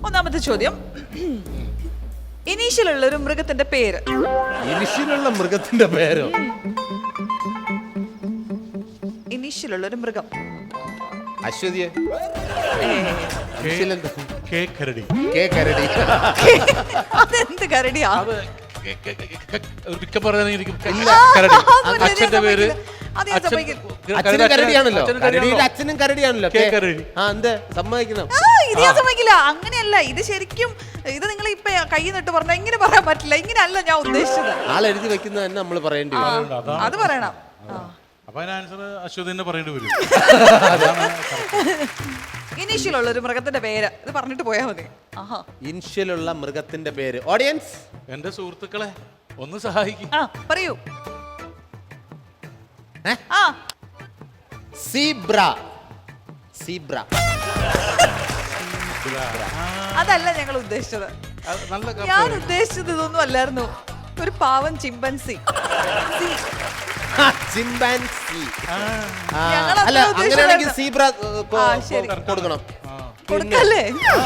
ഒന്നാമത്തെ ചോദ്യം, ഇനീഷ്യലുള്ള ഒരു മൃഗത്തിന്റെ പേര്. ഇനിഷ്യലുള്ള മൃഗത്തിന്റെ പേരോ? ഇനീഷ്യലുള്ള ഒരു മൃഗം. അശ്വതിയെ കരടി. അതെന്ത് കരടിയാ? അച്ഛന്റെ പേര് കരടിയാണല്ലോ. അച്ഛനും കരടിയാണല്ലോ. എന്ത് സമ്മതിക്കണം? ഇത് ഞാൻ സമ്മതിക്കില്ല. അങ്ങനെയല്ല, ഇത് ശരിക്കും ഇത് നിങ്ങൾ ഇപ്പൊ കൈ നിട്ട് പറഞ്ഞാൽ ഇങ്ങനെ പറയാൻ പറ്റില്ല. ഇങ്ങനെയല്ല ഞാൻ ഉദ്ദേശിച്ചത്. ആളെഴുതി വെക്കുന്നത് തന്നെ നമ്മൾ പറയേണ്ടി വരും. അത് പറയണം. അപ്പൊ അതിന് ആൻസർ അശ്വതി തന്നെ പറയേണ്ടി വരും. ഇനീഷ്യലുള്ള ഒരു മൃഗത്തിന്റെ പേര് ഇത് പറഞ്ഞിട്ട് പോയാ മതി. ഇനിഷ്യലുള്ള മൃഗത്തിന്റെ പേര്. ഓഡിയൻസ്, എന്റെ സുഹൃത്തുക്കളെ ഒന്ന് സഹായിക്കും. പറയൂ. സീബ്ര. സീബ്ര അതല്ല ഞങ്ങൾ ഉദ്ദേശിച്ചത്. ഞാൻ ഉദ്ദേശിച്ചത് ഇതൊന്നും അല്ലായിരുന്നു. ഒരു പാവം ചിമ്പൻസി. ചിമ്പാൻസി. അല്ല, അങ്ങനെയാണെങ്കിൽ സീബ്ര കൊടുക്കണം. കൊടുക്കല്ലേ?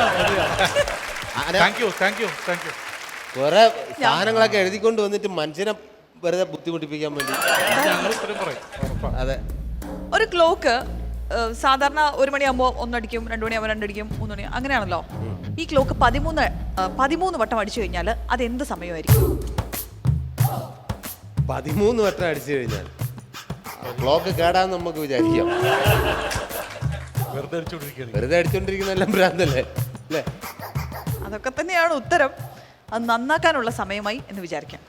കുറെ സാധനങ്ങളൊക്കെ എഴുതിക്കൊണ്ട് വന്നിട്ട് മനുഷ്യനെ വെറുതെ ബുദ്ധിമുട്ടിപ്പിക്കാൻ വേണ്ടി. അതെ. ഒരു ക്ലോക്ക് സാധാരണ 1 മണിയാകുമ്പോ 1 അടിക്കും, 2 മണിയാകുമ്പോൾ 2 അടിക്കും, 3 മണി അങ്ങനെയാണല്ലോ. ഈ ക്ലോക്ക് 13 വട്ടം അടിച്ചു കഴിഞ്ഞാൽ അത് എന്ത് സമയമായിരിക്കും? 13 വട്ടം അടിച്ചു കഴിഞ്ഞാൽ ക്ലോക്ക് കേടാന്ന് നമുക്ക് വിചാരിക്കാം. വെറുതെ അടിച്ചോണ്ടിരിക്കുന്ന എല്ലാം ഭ്രാന്തല്ലേ അല്ലേ? അതൊക്കെ തന്നെയാണ് ഉത്തരം. അത് നന്നാക്കാനുള്ള സമയമായി എന്ന് വിചാരിക്കാം.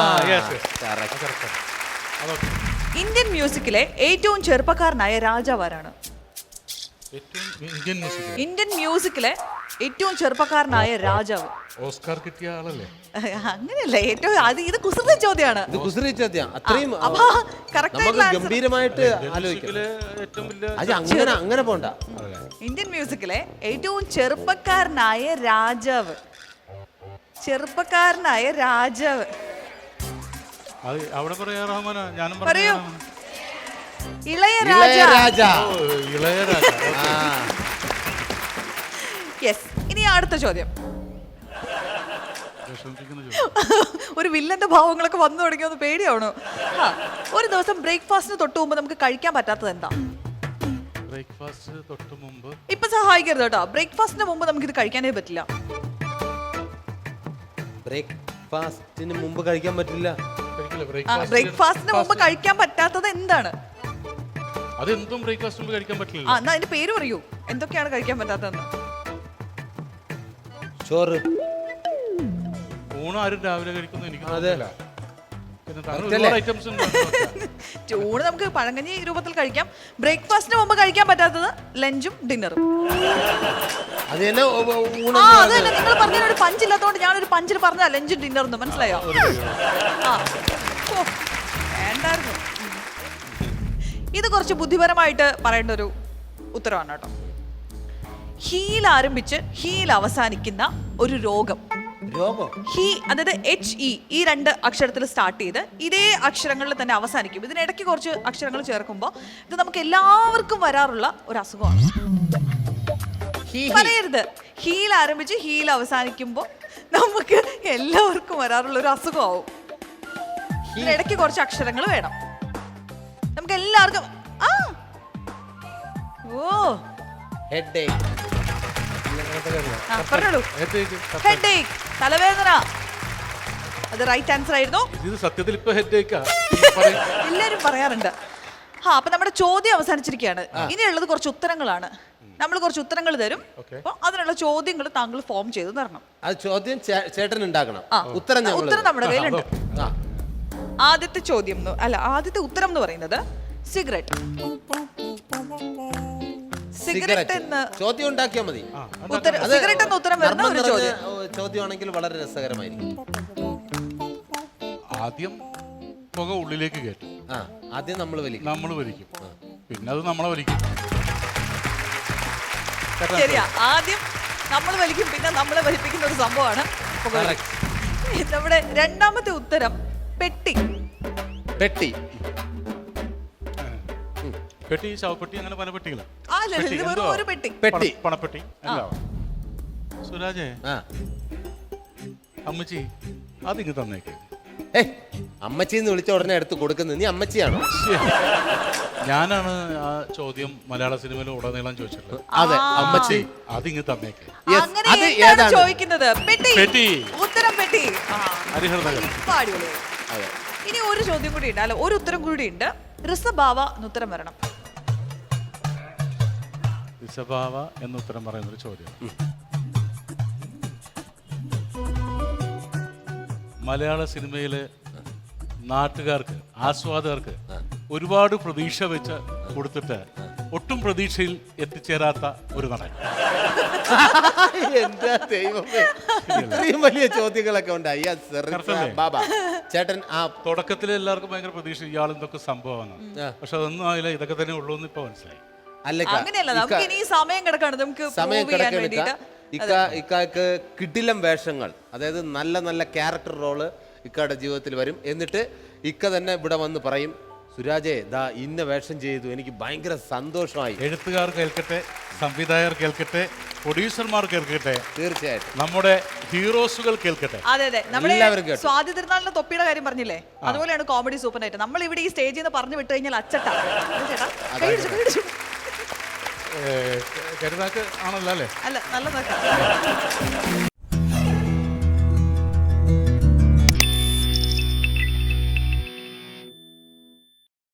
ഇന്ത്യൻ മ്യൂസിക്കിലെ ഏറ്റവും ചെറുപ്പക്കാരനായ രാജാവാരാണ്? ഇന്ത്യൻ മ്യൂസിക്കിലെ ഏറ്റവും ചെറുപ്പക്കാരനായ രാജാവ്. ഓസ്കാർ കിട്ടിയ ആളല്ലേ? അങ്ങനെയല്ല, ഏറ്റവും ഇത് കുസൃതി ചോദ്യമാണ്. ഇത് കുസൃതി ചോദ്യം. അത്രയും ഗംഭീരമായിട്ട് ആലോചിക്കാം. അങ്ങനെ പോണ്ട. ഇന്ത്യൻ മ്യൂസിക്കിലെ ഏറ്റവും ചെറുപ്പക്കാരനായ രാജാവ്. ചെറുപ്പക്കാരനായ രാജാവ് അവിടെ പറയൂ. ഇളയരാജ. യെസ്. ഇനി അടുത്ത ചോദ്യം. ഒരു വില്ലന്റെ ഭാവങ്ങളൊക്കെ വന്നു തുടങ്ങിയൊന്ന് പേടിയാവണോ? ഒരു ദിവസം ബ്രേക്ക്ഫാസ്റ്റിന് തൊട്ട് മുമ്പ് നമുക്ക് കഴിക്കാൻ പറ്റാത്തത് എന്താ? ഇപ്പൊ സഹായിക്കരുത് കേട്ടോ. ബ്രേക്ക്ഫാസ്റ്റിന് മുമ്പ് നമുക്ക് ഇത് കഴിക്കാനേ പറ്റില്ല. ബ്രേക്ക്ഫാസ്റ്റിന് മുമ്പ് കഴിക്കാൻ പറ്റില്ല. ബ്രേക്ക്ഫാസ്റ്റിന് മുമ്പ് കഴിക്കാൻ പറ്റാത്തത് എന്താണ്? അതെന്തും ബ്രേക്ക്ഫാസ്റ്റ് മുമ്പ് കഴിക്കാൻ പറ്റില്ല. എന്നാ അതിന്റെ പേര് പറയൂ. എന്തൊക്കെയാണ് കഴിക്കാൻ പറ്റാത്തതെന്ന്? ചോറ്. ഊണ് ആരും രാവിലെ കഴിക്കുന്നു എനിക്ക് ഊണ് നമുക്ക് പഴങ്കഞ്ഞി രൂപത്തിൽ കഴിക്കാം. ബ്രേക്ക്ഫാസ്റ്റിന് മുമ്പ് കഴിക്കാൻ പറ്റാത്തത് ലഞ്ചും ഡിന്നറും. അതല്ല, നിങ്ങൾ പറഞ്ഞൊരു പഞ്ചില്ലാത്തതുകൊണ്ട് ഞാനൊരു പഞ്ചിൽ പറഞ്ഞ ലഞ്ചും ഡിന്നറും. മനസ്സിലായോ? വേണ്ടായിരുന്നു. ഇത് കുറച്ച് ബുദ്ധിപരമായിട്ട് പറയേണ്ട ഒരു ഉത്തരവാണ് കേട്ടോ. ഹീൽ ആരംഭിച്ച് ഹീൽ അവസാനിക്കുന്ന ഒരു രോഗം. ഹി അതായത് HE ഈ 2 അക്ഷരത്തിൽ സ്റ്റാർട്ട് ചെയ്ത് ഇതേ അക്ഷരങ്ങളിൽ തന്നെ അവസാനിക്കും. ഇതിനിടയ്ക്ക് കുറച്ച് അക്ഷരങ്ങൾ ചേർക്കുമ്പോൾ ഇത് നമുക്ക് എല്ലാവർക്കും വരാറുള്ള ഒരു അസുഖമാണ്. പറയരുത്. ഹീൽ ആരംഭിച്ച് ഹീൽ അവസാനിക്കുമ്പോൾ നമുക്ക് എല്ലാവർക്കും വരാറുള്ള ഒരു അസുഖമാവും. ഇതിനിടയ്ക്ക് കുറച്ച് അക്ഷരങ്ങൾ വേണം. നമുക്ക് എല്ലാവർക്കും തലവേദന. അത് റൈറ്റ് ആൻസർ ആയിരുന്നു. എല്ലാരും പറയാറുണ്ട്. അപ്പൊ നമ്മുടെ ചോദ്യം അവസാനിച്ചിരിക്കുകയാണ്. ഇനിയുള്ളത് കുറച്ച് ഉത്തരങ്ങളാണ്. നമ്മൾ കുറച്ച് ഉത്തരങ്ങൾ തരും. അപ്പൊ അതിനുള്ള ചോദ്യങ്ങൾ താങ്കൾ ഫോം ചെയ്ത് തരണം. ചോദ്യം ചേട്ടൻ ഉണ്ടാക്കണം. ഉത്തരം നമ്മുടെ കയ്യിലുണ്ട്. ആദ്യത്തെ ചോദ്യം ആദ്യത്തെ ഉത്തരം എന്ന് പറയുന്നത് സിഗരറ്റ്. സിഗരറ്റ് എന്ന് ചോദ്യം ഉണ്ടാക്കിയാൽ മതി. സിഗരറ്റ് എന്ന ഉത്തരം വരുന്ന ഒരു ചോദ്യമാണെങ്കിൽ വളരെ രസകരമായിരിക്കും. ആദ്യം പുക ഉള്ളിലേക്ക് കയറ്റും. ആദ്യം നമ്മൾ വലിക്കും, പിന്നെ അത് നമ്മളെ വലിക്കും. ശരിയാ. ആദ്യം നമ്മൾ വലിക്കും, പിന്നെ നമ്മളെ വലിപ്പിക്കുന്ന ഒരു സംഭവമാണ്. നമ്മുടെ രണ്ടാമത്തെ ഉത്തരം പെട്ടി. പെട്ടി. ശവപ്പെട്ടി, അങ്ങനെ പല പെട്ടികൾ. ഒരു പെട്ടി. പണപ്പെട്ടി. സുരാജേ ആ അമ്മച്ചി അതിങ്ങ് തന്നേക്ക്. ഏയ് അമ്മച്ചിന്ന് വിളിച്ച ഉടനെ എടുത്ത് കൊടുക്കുന്നത് നീ അമ്മച്ചിയാണോ? ഞാനാണ് ആ ചോദ്യം മലയാള സിനിമയിൽ ഉടനീളം ചോദിച്ചിട്ടുള്ളത്. അതെ അമ്മച്ചി. അതിങ്ങ് തന്നേക്ക്. Yes, അങ്ങനെ അത് എന്താണ് ഏതാണ്? ചോദിക്കുന്നത്? പെട്ടി. പെട്ടി. ഉത്തരം പെട്ടി. ആ. ഹരിഹർ നഗർ. ഇപ്പൊ അടിപൊളിയായി. അതെ. ഇനി ഒരു ചോദ്യം കൂടി ഉണ്ട്, അല്ല ഒരു ഉത്തരം കൂടി ഉണ്ട്. ഋഷഭാവ എന്നുത്തരം വരണം. ഋഷഭാവ എന്ന് ഉത്തരം പറയുന്നൊരു ചോദ്യം. മലയാള സിനിമയിലെ നാട്ടുകാർക്ക്, ആസ്വാദകർക്ക് ഒരുപാട് പ്രതീക്ഷ വെച്ച് കൊടുത്തിട്ട് ഒട്ടും പ്രതീക്ഷയിൽ എത്തിച്ചേരാത്ത ഒരു നടൻ. എന്താ ദൈവമേ, ഇത്രയും വലിയ ചോദ്യങ്ങളൊക്കെ ഉണ്ടായി. ബാബ ചേട്ടൻ ആ തുടക്കത്തിൽ എല്ലാവർക്കും ഭയങ്കര പ്രതീക്ഷ, ഇയാൾ എന്തൊക്കെ സംഭവമാണ്. പക്ഷെ അതൊന്നും ആയില്ല, ഇതൊക്കെ തന്നെ ഉള്ളൂ എന്ന് ഇപ്പൊ മനസ്സിലായി. അങ്ങനെയല്ല, നമുക്ക് ഇനി സമയം കിടക്കാണ്, നമുക്ക് സമയം prove ചെയ്യാൻ വേണ്ടിയിട്ട്. ഇക്കാക്ക് കിടിലം വേഷങ്ങൾ, അതായത് നല്ല നല്ല ക്യാരക്ടർ റോള് ഇക്കയുടെ ജീവിതത്തിൽ വരും. എന്നിട്ട് ഇക്ക തന്നെ ഇവിടെ വന്ന് പറയും, സുരാജേ ദാ ഇന്ന വേഷം ചെയ്തു, എനിക്ക് ഭയങ്കര സന്തോഷമായി. എഴുത്തുകാർ കേൾക്കട്ടെ, സംവിധായകർ കേൾക്കട്ടെ, പ്രൊഡ്യൂസർമാർ കേൾക്കട്ടെ, തീർച്ചയായിട്ടും നമ്മുടെ ഹീറോസുകൾ കേൾക്കട്ടെ. അതെ അതെ, നമ്മുടെ എല്ലാവരും കേട്ടു. സ്വാതി തിരുനാളിന്റെ തൊപ്പിയുടെ കാര്യം പറഞ്ഞില്ലേ, അതുപോലെയാണ് കോമഡി സൂപ്പർ നൈറ്റ്. നമ്മൾ ഇവിടെ ഈ സ്റ്റേജിൽ നിന്ന് പറഞ്ഞു വിട്ടു കഴിഞ്ഞാൽ അച്ചട്ടാ. ചേട്ടാ കൈ പിടിച്ചു, കൈ പിടിച്ചു. കരുതാക്ക് ആണല്ലോ അല്ലേ? അല്ല നല്ല നോക്കാം.